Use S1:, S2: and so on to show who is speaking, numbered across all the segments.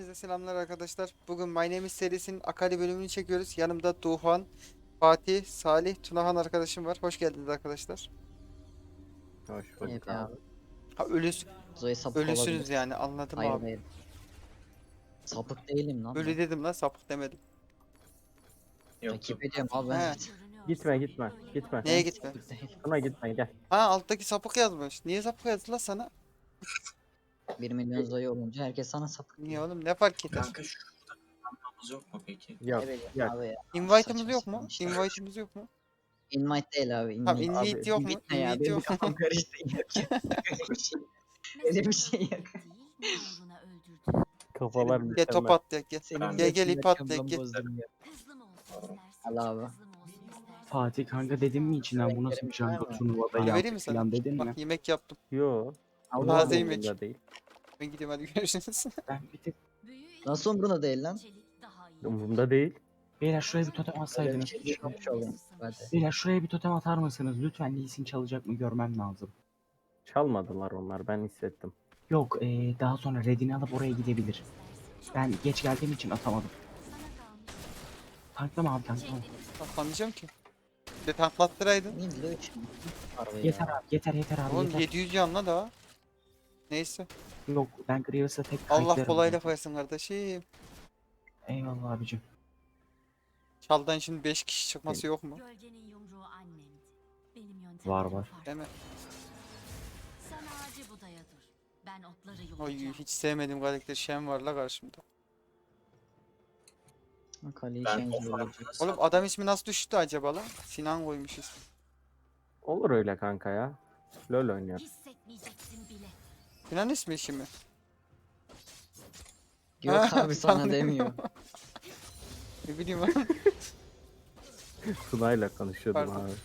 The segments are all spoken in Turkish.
S1: Herkese selamlar arkadaşlar. Bugün My Name is serisinin Akali bölümünü çekiyoruz. Yanımda Doğan, Fatih, Salih, Tunahan arkadaşım var. Hoş geldiniz arkadaşlar.
S2: Hoş
S3: Evet
S2: bulduk
S3: abi.
S2: abi.
S1: Ha,
S3: Zoe sapık
S1: ölüsünüz
S3: olabilir.
S1: yani, anladım
S3: Hayır
S1: abi.
S3: hayır. Sapık değilim lan
S1: Ölü
S3: ben.
S1: dedim lan, sapık demedim.
S2: Yok
S3: Takip ediyorum abi ben.
S1: He,
S2: gitme gitme.
S1: neye
S3: Ben
S1: gitme?
S3: sapık değilim.
S2: Buna gitme gel.
S1: Ha, alttaki sapık yazmış. Niye sapık yazdı lan sana?
S3: 1 milyon Zoe olunca herkes sana sapık
S1: Niye
S3: diyor.
S1: oğlum, ne fark eder?
S4: Kanka şurada kullanmamız yok mu peki?
S2: Yok
S3: Ne bileyim
S2: yok.
S3: abi ya.
S1: Invite'ımız
S3: Saçma
S1: yok
S3: sapan
S1: mu?
S3: işler.
S1: Invite'ımız yok mu?
S3: Invite değil abi.
S1: Tamam,
S3: Invite.
S1: invite
S2: Abi,
S1: yok mu?
S3: Invite ne ya?
S1: Invite
S3: Benim
S1: yok mu?
S3: kafam karıştı. Öyle bir şey yok.
S2: Kafalar
S1: Gel top
S2: mükemmel.
S1: at, gel.
S3: Senin
S1: Gel gel, ip at,
S3: götünden
S1: gel.
S3: bozdum ya. Al abi.
S5: Fatih kanka dedim mi içinden bu nasıl bir
S3: Renklerim var
S5: jungle
S3: mı?
S5: turnuvada
S1: Vereyim mi
S5: yaptık
S1: sana?
S5: falan dedin mi?
S1: Bak, yemek yaptım.
S2: Yo.
S3: Allah
S2: bunlar
S1: Taze
S2: da
S1: yemek.
S2: umurumda değil.
S1: Ben gidiyorum, hadi görüşürüz.
S5: Ben bir tek
S3: Nasıl umruna değil lan?
S2: Umurumda değil.
S5: beyler şuraya bir totem
S3: Öyle bir
S5: atsaydınız.
S3: şey düşünmemiş olayım. Hadi.
S5: Beyler şuraya bir totem atar mısınız? Lütfen Lee Sin çalacak mı görmem lazım.
S2: Çalmadılar onlar, ben hissettim.
S5: Yok daha sonra redini alıp oraya gidebilir. Ben geç geldiğim için atamadım. Tanklama abi tanklama.
S1: Anlayacağım ki. Bir de tanklattıraydın.
S3: Ne diyor ki? Harbi
S5: Yeter
S3: ya.
S5: abi yeter abi
S1: Oğlum
S5: yeter.
S1: 700 canla daha. Neyse.
S5: Yok ben Grievous'a tek
S1: Allah
S5: kayıtlarım.
S1: kolaylık versin kardeşim.
S5: Eyvallah abicim.
S1: Çaldan şimdi 5 kişi çıkması yok mu?
S6: Gölgenin yumruğu annemdi. Benim yöntemlerim
S5: Var, var.
S6: farklı.
S1: Değil mi?
S6: Sen ağacı budaya dur. Ben otları
S1: Oy,
S6: yolacağım.
S1: hiç sevmediğim karakter Shen var la karşımda.
S3: Kaleyi
S4: Ben
S3: change
S4: o farkı
S3: olacak.
S4: nasıl
S1: Oğlum adam ismi nasıl düştü acaba lan? Sinan koymuş ismi.
S2: Olur öyle kanka ya. LoL oynuyor.
S6: Hissetmeyeceksin bile.
S1: Sinan ismi işi mi?
S3: Yok abi sana
S1: Sandım.
S3: demiyor.
S1: Ne bileyim ben.
S2: Tuna'yla konuşuyordum
S1: Pardon.
S2: abi.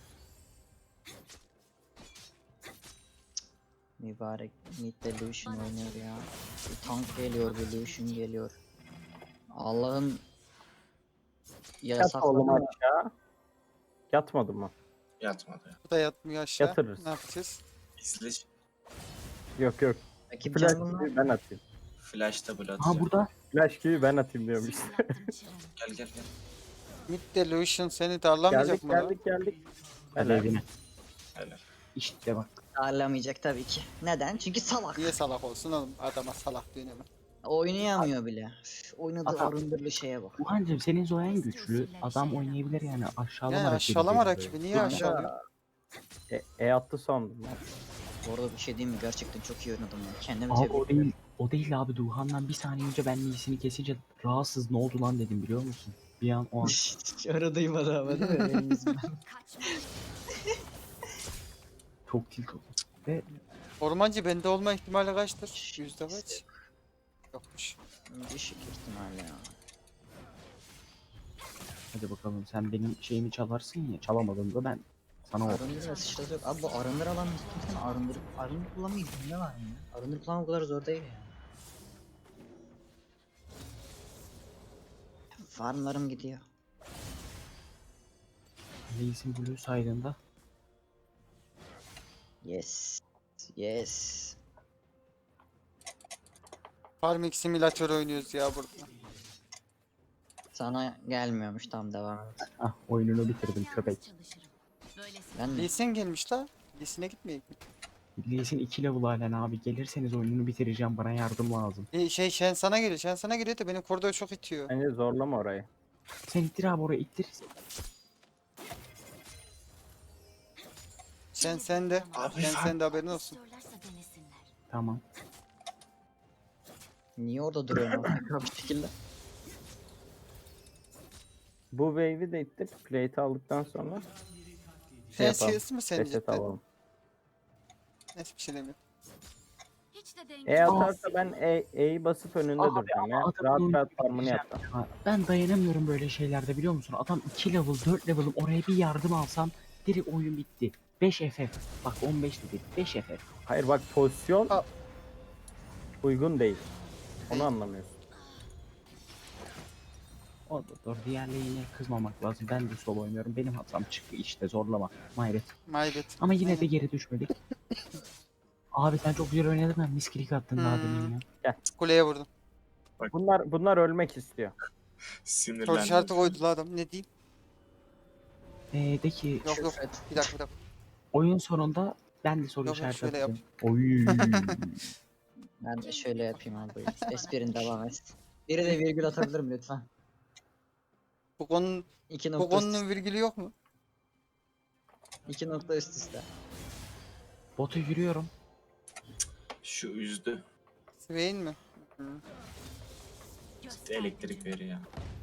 S3: Mübarek Mid'de Lucian oynuyor ya. Bir tank geliyor, bir Lucian geliyor. Allah'ın
S2: Yat oğlum
S3: yasakladı.
S2: aşağı. Yatmadın mı?
S4: yatmadı?
S1: Bu da yatmıyor aşağı.
S2: Yatırırız.
S1: Ne yapacağız?
S4: İzle
S2: Yok.
S3: Rakip
S2: Flash
S3: jungle'lar
S2: gibi ben atayım.
S4: flash'ta blood.
S5: Aha burada.
S2: Flash gibi ben atayım diyorum işte.
S6: Fırlattım çırağını.
S4: Gel.
S1: Mid Delusion seni darlamayacak
S2: geldik
S1: mı lan?
S2: geldik.
S5: Hadi
S2: Helal.
S5: evine.
S4: Helal.
S5: İşte bak.
S3: ağırlamayacak tabii ki. Neden? Çünkü salak.
S1: Niye salak olsun oğlum? Adama salak diyor hemen.
S3: Oynayamıyor bile. Üf, oynadığı
S5: Adam-
S3: arındırlı şeye bak.
S5: Uhancım senin Zoyan güçlü. Adam oynayabilir yani aşağılama
S1: Yani
S5: rakibi
S1: aşağılama
S5: diye.
S1: rakibi. Niye
S3: Kanka.
S1: aşağılıyor?
S2: Attı sandım.
S3: Bu arada bir şey diyeyim mi? Gerçekten çok iyi oynadım ya. Kendimi
S5: Abi
S3: tebrik
S5: o değil. O değil abi Duhan'dan bir saniye önce ben iyisini kesince rahatsız ne oldu lan dedim biliyor musun? Bir an o an.
S3: Hiç öyle duymadı ama değil mi? Benim yüzümden.
S6: Kaçma.
S5: Çok tilt oldu. Ve
S1: Ormancı bende olma ihtimali kaçtır? Yüzde kaç? Yokmuş.
S3: Düşük ihtimalle ya.
S5: hadi bakalım sen benim şeyimi çalarsın ya. Çalamadığında ben sana o.
S3: Arındır ve sıçrası yok. Abi bu arındır alan kimsenin arındır kullanmayı ne var ya? Arındır kullanmak o kadar zor değil ya. Farmlarım gidiyor.
S5: Reis'in Blue saydığında
S3: Yes. Yes.
S1: Farming simülatör oynuyoruz ya burada.
S3: Sana gelmiyormuş, tam devam et.
S5: ah oyununu bitirdim köpek.
S6: Çalışırım. Böylesi
S3: Ben de
S1: Lee Sin gelmiş la. Lee Sin'e gitmeyek mi?
S5: Reis'in 2 level halen abi. Gelirseniz oyununu bitireceğim. Bana yardım lazım.
S1: Shen sana geliyor. Shen sana geliyor da benim koridor çok itiyor.
S2: Bence zorlama orayı.
S5: Sen ittir abi oraya ittir.
S1: Shen sende.
S4: Abi
S1: Shen
S4: sen-
S1: sende, haberin olsun.
S6: istiyorlarsa denesinler.
S5: Tamam.
S3: niye orada duruyorum abi? Bir şekilde.
S2: Bu wave'i de ittir. Plate'i aldıktan sonra
S1: Shen
S2: yapalım.
S1: CS mi sen
S2: reset
S1: cidden?
S2: alalım.
S1: Neyse, bir şey demiyorum.
S6: Hiç de
S2: E
S6: dengesiz.
S2: atarsa ben E'yi basıp önünde
S5: Abi,
S2: duracağım ya.
S5: adamın
S2: Rahat
S5: oyunu
S2: rahat farmını
S5: bitireceğim
S2: yapacağım.
S5: ya. Ben dayanamıyorum böyle şeylerde biliyor musun? Adam 2 level 4 level'ım oraya bir yardım alsam direkt oyun bitti. 5 FF. Bak 15 dedi. 5 FF.
S2: Hayır bak pozisyon
S1: Al.
S2: uygun değil. Onu
S1: Değil.
S2: anlamıyorsun.
S5: O da doğru. Diğerlerine kızmamak lazım. Ben de solo oynuyorum. Benim hatam çıktı işte zorlama. Mayret.
S1: Maybet.
S5: Ama yine de
S1: Aynen.
S5: geri düşmedik. Abi sen çok güzel oynadın. Ben misklik attın daha
S1: Hmm.
S5: demin ya.
S1: Kuleye vurdum.
S2: Bunlar ölmek istiyor.
S1: Soru
S4: Sinirlendim.
S1: işareti koydu la adam. Ne diyeyim?
S5: De ki
S1: Yok yok.
S3: Küfret.
S1: Bir dakika.
S5: oyun sonunda ben de soru
S1: Yok, yok,
S5: işareti
S1: şöyle yap.
S5: atacağım. Oy.
S3: Ben de şöyle yapayım abi. Esprin devam et. Biri de virgül atabilir mi lütfen?
S1: Bu konunun,
S3: 2
S1: bu
S3: nokta üst,
S1: konunun virgülü yok mu?
S3: 2 nokta üst üste.
S5: Bota yürüyorum.
S4: Şu üzdü.
S1: Swain mi? Hı.
S4: İşte elektrik veriyor.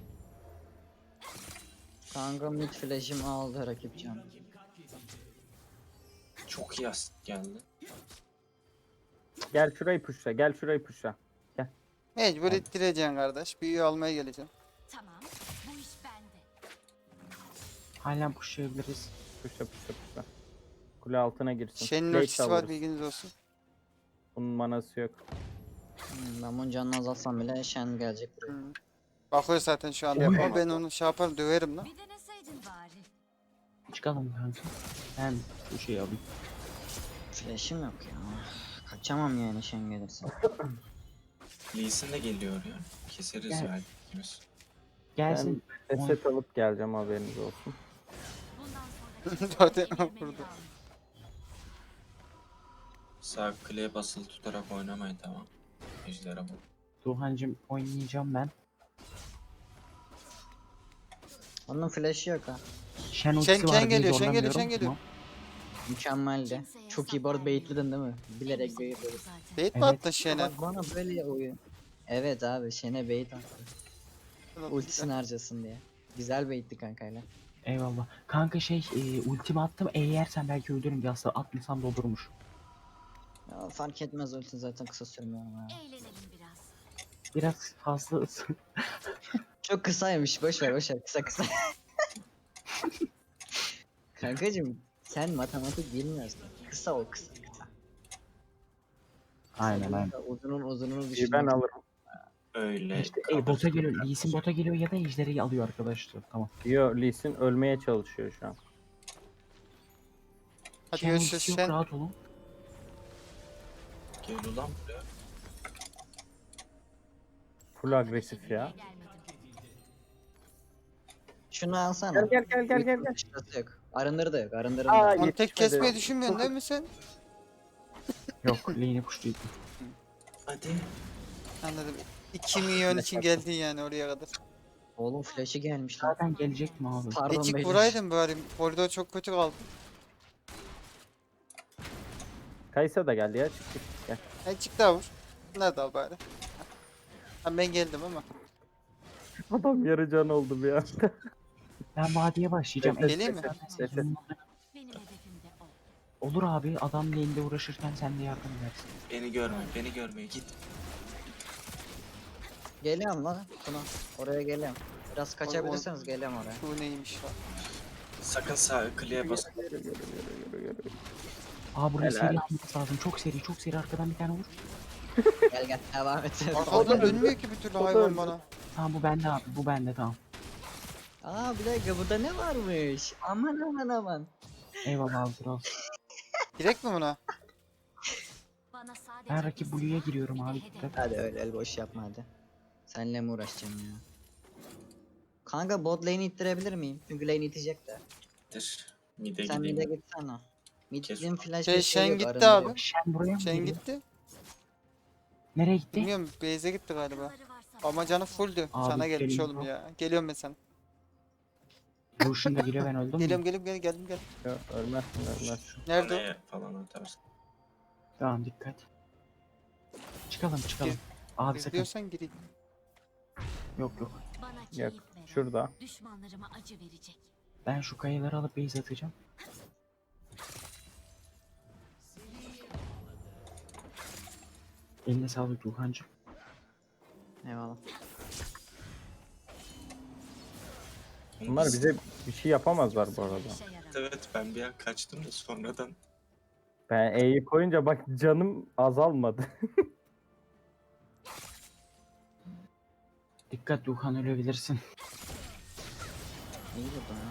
S3: Kanka mid flash'im aldı rakip can.
S4: Çok iyi asist geldi.
S2: Gel şurayı pushla. Gel şurayı pushla.
S1: Mecbur ittireceksin kardeş. Büyüğü almaya geleceksin.
S6: Tamam. Bu iş bende.
S5: Halen pushlayabiliriz.
S2: Pushla pushla pushla. Kule altına girsin.
S1: Shen'in
S2: Late
S1: ultisi var,
S2: alırız.
S1: bilginiz olsun.
S2: Bunun manası yok.
S3: Ben bunun canını azaltsam bile Shen gelecek buraya.
S1: Hı. Bakıyor zaten şu anda.
S2: Oy.
S1: Ama ben onu şey yaparım, döverim lan.
S6: Bir deneseydin bari.
S5: Çıkalım kanka. Ben bu şeyi alayım.
S3: Flash'im yok ya. Kaçamam yani Shen gelirse.
S4: Lee Sin de geliyor ya. Keseriz
S5: Gel.
S4: belki ikimiz.
S5: Gelsin.
S2: Reset alıp geleceğim, haberiniz olsun.
S6: Bundan sonra
S1: Zaten
S6: kemirmeni
S1: burada.
S6: kalmadı.
S4: Sağ kliğe basılı tutarak oynamayın, tamam. Ejderha bu.
S5: Duhancım oynayacağım ben.
S3: Onun flash'ı yok ha.
S5: Shen ultisi var
S1: Shen
S5: diye
S1: geliyor, Shen geliyor,
S5: zorlamıyorum.
S1: Shen geliyor.
S5: Tamam.
S3: Mükemmeldi.
S6: Kimseye
S3: Çok iyi bu arada baitledin değil mi? Bilerek
S6: Hepsi
S3: baitledin.
S6: oldu zaten.
S1: Bait mi
S5: Evet.
S1: attın Shen'e?
S3: Bak bana böyle oyun. Evet abi Shen'e bait attı. Ultisini harcasın diye. Güzel baitti kankayla.
S5: Eyvallah. Kanka ultimi attım. Yersen belki öldürürüm diye aslında atmasam da olurmuş.
S3: Ya, fark etmez ulti zaten kısa sürmüyor ama ya.
S6: Eğlenelim biraz.
S5: Biraz fazla
S3: Çok kısaymış boş ver kısa kısa. Kankacım sen matematik bilmiyorsun. Kısa o kısa.
S5: Aynen aynen.
S3: Uzununu
S2: İyi,
S3: düşün.
S2: ben alırım.
S4: Öyle.
S5: İşte bota geliyor. Lee Sin bota geliyor ya da ejderi alıyor arkadaşlar. Tamam.
S2: Yo, Lee Sin ölmeye çalışıyor şu an.
S1: Hadi
S5: Shen
S1: görüşürüz
S5: ultisi yok,
S1: Shen.
S5: rahat olun.
S4: Gel ulan buraya.
S2: Full agresif ya.
S3: Şunu alsana.
S2: Gel.
S3: Şurası yok. Arındırı da yok. Arındırı
S2: Aa,
S3: da yok.
S1: Onu tek
S2: yetişmedi.
S1: kesmeyi düşünmüyorsun değil mi sen?
S5: Yok lane'i pushlayayım.
S4: Hadi.
S1: Anladım. 2 milyon için geldin yani oraya kadar.
S3: Oğlum flash'ı gelmiş lan.
S5: Zaten gelecektim abi.
S3: Pardon
S1: Ecik
S3: beyler.
S1: vuraydın bari. Koridor çok kötü kaldı.
S2: Kaysa da geldi ya. Çık. Gel.
S1: Ecik daha vur. Nerede al bari? Ha, ben geldim ama.
S2: Adam yarı can oldu bir anda.
S5: Ben vadiye başlayacağım.
S1: Geleyim mi?
S6: Benim hedefim de o.
S5: Olur abi, adam lane'de uğraşırken sen de yardım edersin.
S4: Beni görme git.
S3: Geliyorum lan. Buna. Oraya geliyorum. Biraz kaçabilirseniz geliyorum oraya.
S1: Bu neymiş lan?
S4: Sakın sağ kliğe bas.
S2: Yürü.
S5: Aa buraya
S2: Helal.
S5: seri almamız lazım. Çok seri arkadan bir tane vur.
S3: Gel devam et.
S1: Arkadan dönmüyor ki bir türlü hayvan bana.
S5: Tamam bu bende abi, bu bende tamam.
S3: Aa bir dakika burada ne varmış? Aman.
S5: Eyvallah abi kral.
S1: Direkt mi buna?
S6: Bana sadece
S5: Ben rakip Blue'ya giriyorum abi.
S6: hedef.
S5: Dikkat.
S3: Hadi öyle el boş yapma hadi. Seninle mi uğraşacağım ya? Kanka bot lane'i ittirebilir miyim? Çünkü lane itecek de.
S4: Mid'e
S3: Sen mid'e
S4: gideyim.
S3: gitsene.
S4: Kes.
S3: Mid'in flash
S1: Şey,
S3: bir şey
S1: Shen
S3: yok,
S1: gitti
S3: arındırı
S1: abi.
S3: yok.
S5: Shen buraya mı
S1: Shen
S5: geliyor?
S1: gitti.
S5: Nereye gitti?
S1: Bilmiyorum base'e gitti galiba.
S6: Yolları varsa
S1: Ama canı fulldü.
S5: Abi,
S1: Sana gelmiş
S5: geliyorum.
S1: oğlum ya. Geliyorum ben sana.
S5: Lucian da geliyor, ben öldüm
S1: Geliyorum
S5: mü?
S1: geliyorum geldim.
S2: Yo, ölmezsin.
S1: Nerede o?
S4: Kaleye falan atarsın.
S5: Tamam dikkat. Çıkalım.
S1: Gir-
S5: Abi
S1: Biz
S5: sakın.
S1: diyorsan gireyim.
S5: Yok.
S6: bana
S2: Yok.
S6: keyif veren,
S2: Şurada.
S6: düşmanlarıma acı verecek.
S5: Ben şu kayaları alıp base atacağım. Eline sağlık Duhancım.
S3: Eyvallah.
S2: Bunlar bize bir şey yapamazlar bu arada.
S6: İşe yarar.
S4: Evet, ben bir an kaçtım da sonradan.
S2: Ben E'yi koyunca bak canım azalmadı.
S5: Dikkat Duhan, ölebilirsin.
S3: İyi bu da.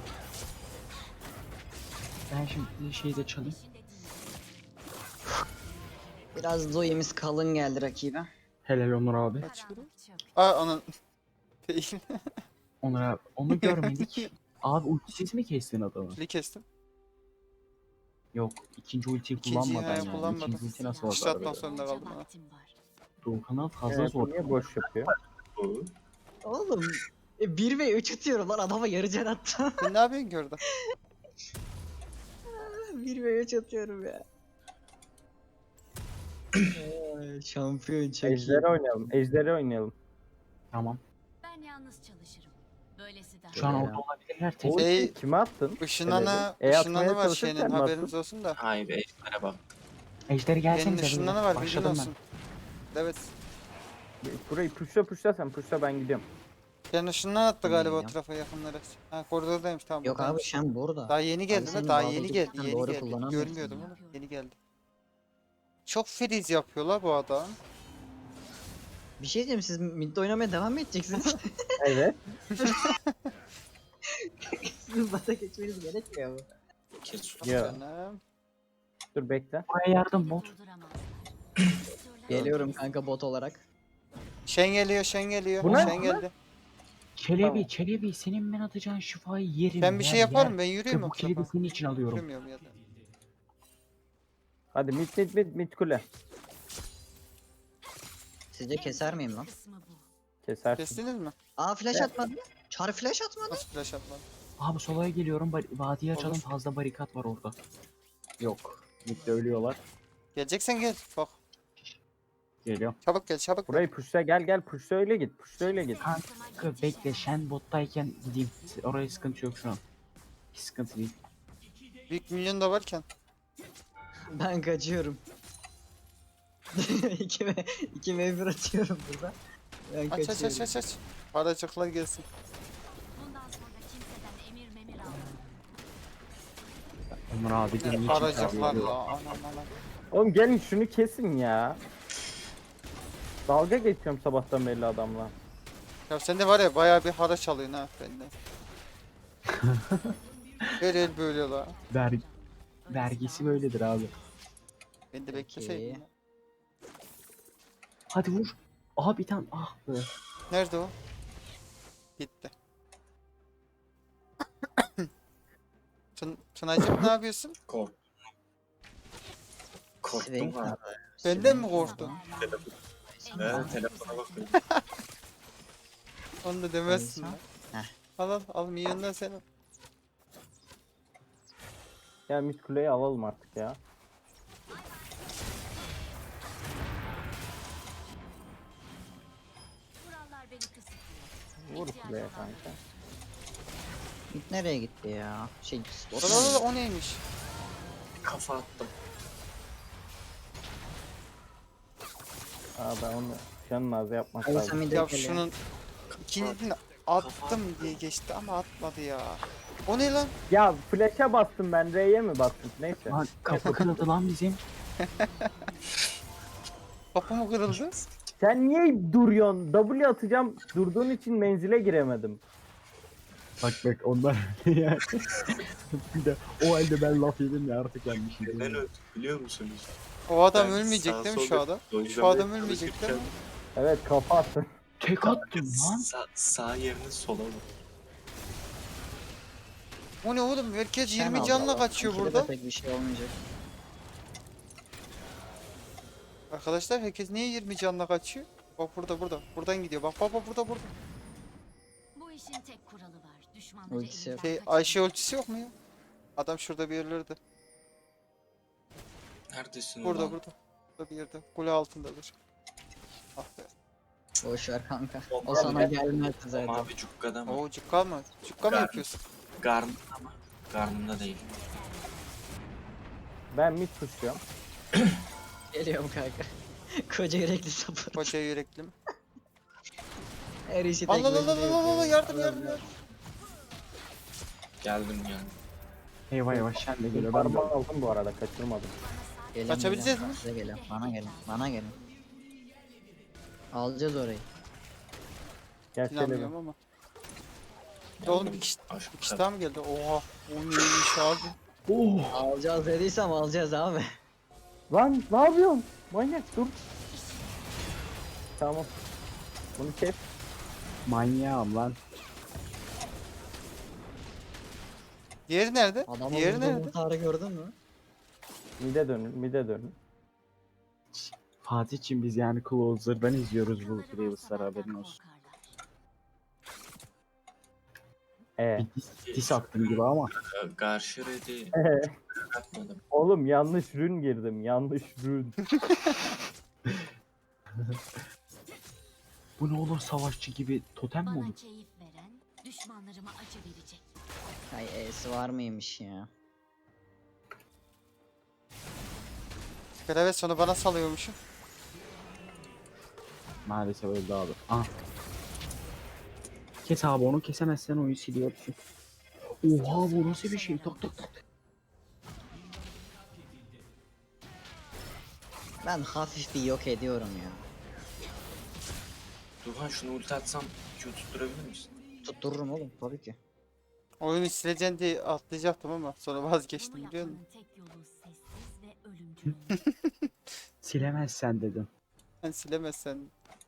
S5: Ben şimdi şeyi de çalayım.
S6: İşinde değil.
S3: Biraz zoe'miz kalın geldi rakibe.
S5: Helal Onur abi.
S6: Karanlık çöktü.
S1: Aa onun değil.
S5: Onur abi. Onu görmedik. Abi ultisiz mi kestin adamı?
S1: Kili kestim.
S5: Yok. İkinci ultiyi
S1: İkinciyi
S5: kullanmadan
S1: hayır,
S5: yani.
S1: kullanmadım.
S5: İkinci ulti nasıl
S1: İşte
S5: oldu?
S1: atmak zorunda
S6: Bolca
S1: kaldım ha.
S6: vaktim var.
S5: Doğukan'a fazla
S2: Evet,
S5: zor.
S2: niye boş yapıyor?
S4: Bu.
S3: Oğlum 1 ve 3 atıyorum lan adama yarı can attım.
S1: Sen ne yapıyorsun ki orada?
S3: 1 ve 3 atıyorum ya. Ay, şampiyon çok iyi.
S2: Ejderi oynayalım. Ejderi oynayalım.
S5: Tamam.
S6: Ben yalnız çalışırım. Böylesi daha
S5: Şu an
S3: Ya.
S5: orada olabilirler.
S2: O
S5: Tek.
S1: Şey-
S2: ultiyi kime attın?
S1: Işınlanı,
S2: atmaya
S1: ışınlanı var
S2: çalışırken
S1: şeyinin
S2: mi attın?
S1: haberiniz olsun da.
S4: Hayır ejderha bak.
S5: Ejderi
S1: Benim
S5: gelsenize.
S1: ışınlanı var bilgin
S5: Başladım ben.
S1: olsun. Evet.
S2: Burayı puşla sen puşla ben gidiyorum.
S1: Yani ışından attı galiba o
S3: Ya.
S1: tarafa yakınlara. Ha koridordaymış tamam.
S3: Yok abi
S1: buradaymış.
S3: sen burada.
S1: Daha yeni geldi
S3: senin
S1: lan daha
S3: bağlı
S1: yeni
S3: olduğun
S1: geldi
S3: sen
S1: yeni
S3: doğru
S1: geldi.
S3: kullanamıyorsun
S1: Görmüyordum
S6: ya.
S1: onu yeni geldi. Çok freeze yapıyorlar bu adam.
S3: Bir şey diyeyim siz midde oynamaya devam mı edeceksiniz?
S2: Evet.
S3: Sizin bata geçmeniz gerekmiyor mu?
S4: Kes şunu.
S2: Ya.
S1: Canım.
S2: Dur bekle.
S5: Buraya yardım bot.
S6: durduramazlar.
S3: Geliyorum kanka bot olarak.
S1: Şen geliyor şen geliyor.
S2: Bu ne?
S1: Şen geldi.
S5: Çelebi,
S2: Tamam.
S5: Çelebi senin ben atacağın şifayı yerim.
S1: Ben bir şey yaparım ben yürüyeyim o
S5: Bu kilidi
S1: tarafa.
S5: senin için alıyorum.
S1: Yürümüyorum ya da.
S2: Hadi mid kule.
S3: Sizce keser miyim lan?
S6: Kısmı bu.
S2: Kesersin.
S1: Kestiniz mi?
S3: Aa flash atmadı. Çar flash atmadı.
S1: Nasıl flash atmadım?
S5: Abi solaya geliyorum. Vadiye açalım,
S1: Olur.
S5: fazla barikat var orada. Yok. Midde ölüyorlar.
S1: Geleceksen gel. Bak.
S5: Geliyor.
S1: Çabuk gel çabuk gel.
S2: Burayı puşla gel puşla öyle git. Puşla öyle git.
S5: Kanka bekle, Shen bottayken gideyim. Oraya sıkıntı yok şu an. Hiç sıkıntı değil.
S1: Büyük milyon da varken.
S3: Ben kaçıyorum. 2 ve 1 atıyorum burada. Ben
S1: Aç aç
S3: kaçıyorum.
S1: aç aç aç. Paracıklar gelsin.
S6: Bundan sonra kimseden emir memir almam.
S5: Onur abi de niçin
S1: Paracıklar
S5: çağırıyor?
S1: la anam anam.
S2: Oğlum gelin şunu kesin ya. Dalga geçiyorum sabahtan beri adamla.
S1: Ya sen de var ya bayağı bir haraç alıyorsun ha benden. Her el böyle la.
S5: Vergisi böyledir abi.
S1: Ben de
S3: Peki.
S1: bekleseydim. ya.
S5: Hadi vur. Aha bir tane, ah be.
S1: Nerede o? Gitti. Tunacığım ne yapıyorsun?
S4: Kork. Korktum
S3: Swing
S4: ha.
S1: Benden mi korktun?
S4: Evet telefona bakıyorum.
S1: Onu da demezsin
S3: Neyse.
S1: lan.
S3: Heh.
S1: Al milyondan sen al.
S2: Ya mid kuleyi alalım artık ya.
S6: Kurallar beni kısıtlıyor.
S2: Vur
S6: İhtiyacım
S2: kuleye
S6: olan
S2: kanka.
S3: Git nereye gitti ya? Şey
S1: Orada o neymiş?
S4: Kafa attım.
S2: Aa ben onu canın ağzı yapmak
S3: Hadi
S2: lazım.
S3: sen bir
S1: Ya
S3: de
S1: şunun ikincisini attım diye geçti ama atmadı ya. O ne lan?
S2: Ya flash'a bastım ben R'ye mi bastım? Neyse.
S5: Lan kafa kırıldı lan bizim.
S1: Kapı mı kırıldı?
S2: Sen niye duruyorsun? W atacağım. Durduğun için menzile giremedim.
S5: Bak onlar yani. Bir de o halde ben laf yedim ya artık yenmişim.
S4: Neden öldüm biliyor musunuz?
S1: O adam
S4: Ben
S1: ölmeyecek
S4: sağ
S1: değil mi şu
S4: solda
S1: adam? Şu
S4: dojlamaya
S1: adam ölmeyecek değil mi?
S2: Evet kafa attın.
S5: Tek attım lan.
S4: Sağ yerini sola vur.
S1: O ne oğlum? Herkes
S3: Sen
S1: 20
S3: al
S1: canla
S3: baba.
S1: kaçıyor
S3: İkide de
S1: burada.
S3: pek bir şey olmayacak.
S1: Arkadaşlar herkes niye 20 canla kaçıyor? Bak burada. Buradan gidiyor. Bak burada.
S6: Bu işin tek kuralı var. Düşmanları
S3: Ultisi yok.
S6: elinden
S1: Şey
S6: kaçırmak.
S1: Ayşe ultisi yok mu ya? Adam şurada bir yerlerde.
S4: Neredesin
S1: Burada
S4: ulan?
S1: Burada bir yerde. Kule altındadır. Ah be.
S3: Boş ver kanka.
S4: O
S3: O sana
S4: mavi-
S3: gelmez
S4: O
S3: zaten.
S4: mavi cukkada mı?
S1: Oo cukka mı? Cukka mı
S4: Gar-
S1: yapıyorsun?
S4: Garnımda ama. Garnımda değil.
S2: Ben mid tutuyorum.
S3: Geliyorum kanka. Koca yürekli sapır.
S1: Koca yürekli mi?
S3: Her işi tek
S1: Allah
S3: başına yapıyor.
S1: yardım.
S4: Geldim yani.
S5: Eyvah Shen de geliyor. Ben de
S2: Parmağı aldım bu arada kaçırmadım.
S3: Gelin,
S1: Kaçabileceğiz
S3: gelin.
S1: mi?
S3: Size gelin. Bana gelin. Alacağız orayı.
S2: Gel Çelebi.
S1: İnanmıyorum ama. Ya oğlum bir kişi
S4: Aşk
S1: daha mı geldi? Oha. O neymiş abi?
S5: Oh!
S3: Alacağız dediysem alacağız abi.
S2: Lan ne yapıyorsun? Manyak dur. Tamam. Bunu kes.
S5: Manyağım lan.
S1: Diğeri nerede?
S3: Adamın
S1: Diğeri
S3: vurduğu
S1: nerede?
S3: muhtarı gördün mü?
S2: Mide dönün, mide dönün.
S5: Fatih'cim biz yani Closer'dan izliyoruz bu Graves'lar haberin olsun. Bir diss attım gibi ama.
S4: Karşı redi atmadım.
S2: Oğlum yanlış rün girdim. Yanlış rün.
S5: Bu ne olur savaşçı gibi totem mi
S6: Bana
S5: olur?
S6: keyif veren, düşmanlarıma acı verecek.
S3: Ay E'si var mıymış ya?
S1: Klavet sonu bana salıyormuşum.
S5: Maalesef öldü abi. Aha. Kes abi onu kesemezsen oyun siliyorsun. Oha bu nasıl bir şey? Tak tak tak.
S3: Ben hafif bir yok ediyorum ya.
S4: Duhan şunu ulti atsam Q tutturabilir misin?
S3: Tuttururum oğlum tabii ki.
S1: Oyunu sileceksin diye atlayacaktım ama sonra vazgeçtim
S6: Bunu
S1: biliyor musun?
S6: yapmanın tek yolu sessiz ve ölümcül olmak.
S5: Silemezsen dedim.
S1: Sen silemezsen.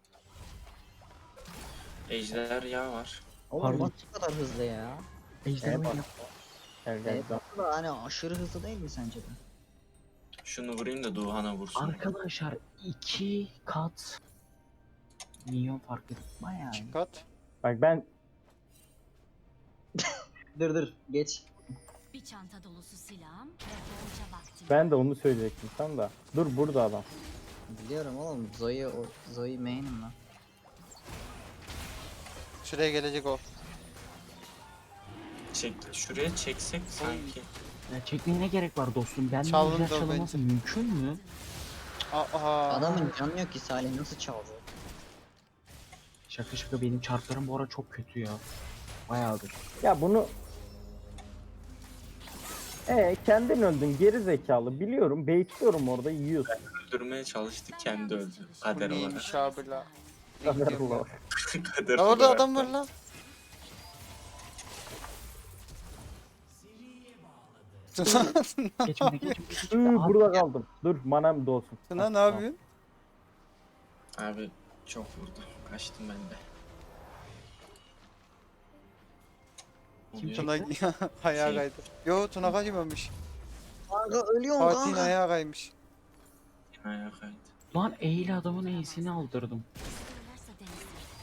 S4: Ejder yağ var.
S3: Oğlum
S5: Pardon.
S3: nasıl bu kadar hızlı ya?
S5: Ejder
S2: Evet.
S5: oyunu.
S2: Gel
S3: Evet,
S2: gel.
S3: da hani aşırı hızlı değil mi sence de?
S4: Şunu vurayım da Duhan'a vursun.
S5: Arkadaşlar 2 kat milyon fark etme yani.
S1: Kat.
S2: Bak ben
S3: Dur geç.
S6: Bir çanta dolusu silahım ve bolca vaktim.
S2: ben de onu söyleyecektim tam da. Dur burada adam.
S3: Biliyorum oğlum Zoe main'im lan.
S1: Şuraya gelecek o.
S4: Şuraya çeksek sanki.
S5: Ya çekmeye ne gerek var dostum? Ben
S1: Çaldım
S5: güzel
S1: da
S5: çalınması
S1: bence.
S5: mümkün mü?
S1: Aa.
S3: Adamın canı yok ki Salih nasıl çaldı?
S5: Şaka şaka benim çarplarım bu ara çok kötü ya. Bayağıdır.
S2: Ya bunu kendin öldün geri zekalı. Biliyorum baitliyorum orada yiyorsun.
S4: Öldürmeye çalıştık kendi öldü.
S1: Bu
S4: Kader olarak.
S1: neymiş abi la?
S2: Allah.
S4: Kader
S1: La orada
S4: olarak
S1: adam
S4: da.
S1: var lan.
S5: Geçmene geçmene.
S2: Burada kaldım. Dur manam dolsun.
S1: Tuna ne yapıyorsun?
S4: Abi çok vurdu. Kaçtım ben de.
S5: Kim
S4: Oluyor.
S1: Tuna ayağa
S4: Şey-
S1: kaydı. Yo Tuna kaymamış.
S3: Kanka ölüyorum
S1: Fatih'in
S3: kanka.
S1: ayağa kaymış.
S4: Ayağa kaydı.
S5: Lan eğil adamın eğisini aldırdım.
S6: Kısırırlarsa denizler.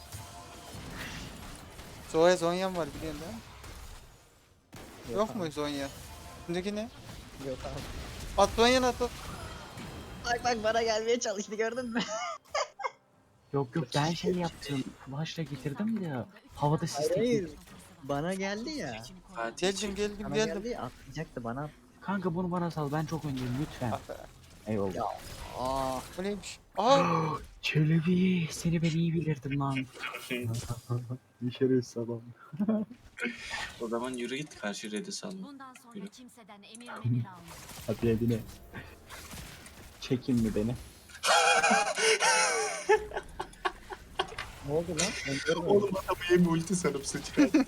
S1: Zoya Zonyan var biliyorsun değil mi? Yok
S3: abi.
S1: mu Zonya? Şimdiki ne?
S3: Yok abi.
S1: At Zonyan at.
S3: Bak bana gelmeye çalıştı gördün mü?
S5: Yok ben şey yaptım. Flash'la getirdim de havada sis
S3: Hayır,
S5: teknik.
S3: hayır. Bana geldi ya.
S4: Fatih
S1: Geldim
S3: Bana
S1: geldim.
S3: geldi ya atlayacaktı bana.
S5: Kanka bunu bana sal ben çok öndeyim lütfen.
S1: Ah be.
S5: Eyvallah.
S3: Ya. Aa.
S1: Bu neymiş? Aa.
S5: Çelebi seni ben iyi bilirdim lan. Bir şerefsiz adam.
S4: o zaman yürü git karşı redi salla.
S6: Bundan sonra
S4: Yürü.
S6: kimseden emir memir alma.
S5: Hadi edine. Çekin mi beni?
S3: Ne oldu lan? Ben görmedim.
S4: Oğlum adamı yemi ulti sanıp sıçrattı.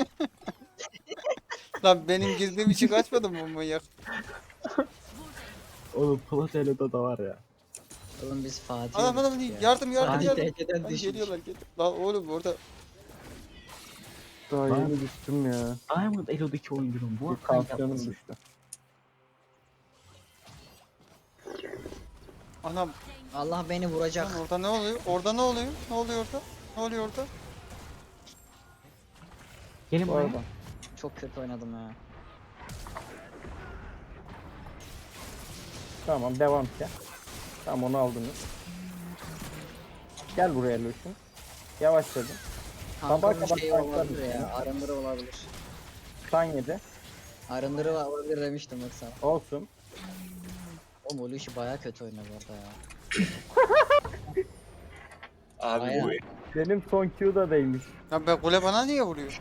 S1: Lan benim girdiğim için kaçmadı mı bu manyak?
S5: Oğlum Platelo'da da var ya.
S3: Oğlum biz Fatih.
S1: Adam
S3: olduk ya.
S1: yardım
S3: Fatih
S1: yardım.
S3: TC'den
S1: Lan
S3: düşmüş.
S1: geliyorlar geliyor. Lan oğlum orada
S2: Daha
S5: Lan.
S2: yeni düştüm ya.
S5: Diamond Elo'daki oyuncunun bu
S2: Bir
S5: hafta
S2: tansiyonum
S5: yapması.
S2: düştü.
S1: anam
S3: Allah beni vuracak.
S1: lan orada ne oluyor? Orada ne oluyor? Ne oluyor orada? Ne oluyor orada?
S5: Gelin
S2: Bu
S5: buraya.
S2: arada.
S3: Çok kötü oynadım ya.
S2: Tamam devam et. Tamam onu aldınız. Gel buraya Lucian. Yavaşladım. Sabaha
S3: Kanka
S2: kadar
S3: şey
S2: fightlar
S3: olabilir
S2: mısın?
S3: ya. Arındırı olabilir.
S2: Kan yedi.
S3: Arındırı olabilir demiştim bak sana.
S2: Olsun.
S3: Oğlum o Lucy baya kötü oynadı orada ya.
S4: Abi
S3: Bayağı.
S4: bu
S2: Benim son Q'da değmiş.
S1: Ya be kule bana niye vuruyor?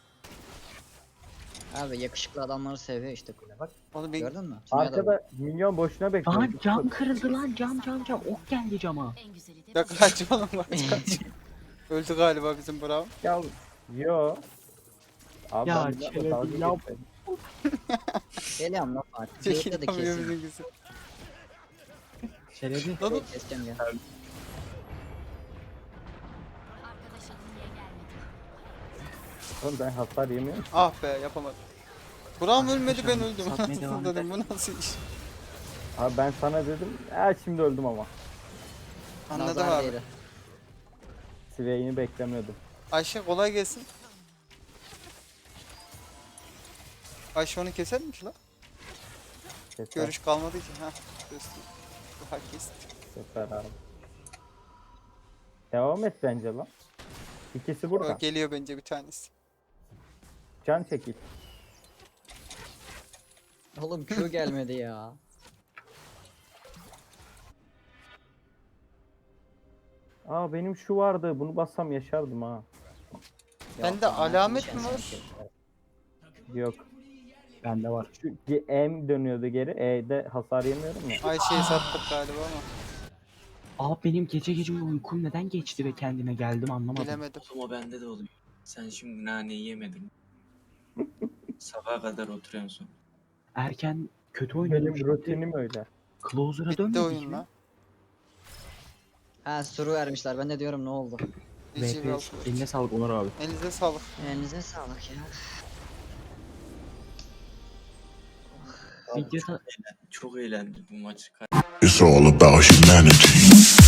S3: Abi yakışıklı adamları seviyor işte kule bak.
S1: Oğlum ben
S3: Gördün mü? Kimya da
S2: Arkada milyon boşuna bekliyor.
S5: Lan cam kırıldı lan cam. Ok geldi cama.
S6: En güzeli de
S1: ya
S6: bu.
S1: kaç oğlum kaç. Öldü galiba bizim Brown.
S2: Ya yo. Abi
S5: Ya,
S2: ben bir dakika
S5: Çelebi
S2: dalga
S5: yap.
S2: geçmedim.
S3: Geliyorum lan Fatih.
S1: Çekil
S3: Bekle de
S1: yapıyor
S3: keseyim.
S1: bizimkisi.
S5: Çelebi.
S1: Lan
S3: Keseceğim ya.
S2: Oğlum ben hasar yemiyorum.
S1: Ah be yapamadım. Buram ölmedi ben
S5: Arkadaşlar,
S1: öldüm.
S5: satmaya devam
S1: Anasını dedim bu nasıl iş?
S2: Abi ben sana dedim. Şimdi öldüm ama.
S1: Anladım
S3: Nazar
S1: abi.
S3: değdi.
S2: Swain'i beklemiyordum.
S1: Ayşe kolay gelsin. Ayşe onu keser mi ki lan?
S2: Keser,
S1: Görüş kalmadı ki. Ha. Göster. Daha kesti.
S2: keser abi. Devam et bence lan. İkisi burada.
S1: O geliyor bence bir tanesi.
S2: Can çekil.
S3: Oğlum Q gelmedi ya.
S2: Aa benim şu vardı. Bunu bassam yaşardım ha.
S1: Bende
S3: Yok,
S1: alamet
S3: ben
S1: mi
S3: seni
S1: var?
S3: keserim.
S2: Yok.
S5: Bende var.
S2: Şu M dönüyordu geri. E'de hasar yemiyorum ya.
S1: Ayşe'yi sattık galiba ama
S5: Abi benim gece gece uykum neden geçti ve kendime geldim anlamadım.
S1: bilemedim.
S4: Oğlum o bende de oluyor. Sen şimdi naneyi yemedin. Sabaha kadar oturuyorsun sonra.
S5: Erken kötü oynadım.
S2: Benim
S5: Şimdi
S2: rutinim öyle.
S5: Closer'a
S1: Bitti
S5: dönmedik
S1: oyun
S5: mi?
S1: lan.
S3: Ha suru vermişler. Ben de diyorum ne oldu?
S1: GG
S5: VP
S1: Valkyrie.
S5: eline sağlık Onur abi.
S1: Elinize sağlık.
S3: Elinize sağlık ya.
S5: Videoda
S4: Çok eğlendim bu maçı.
S7: It's all about humanity.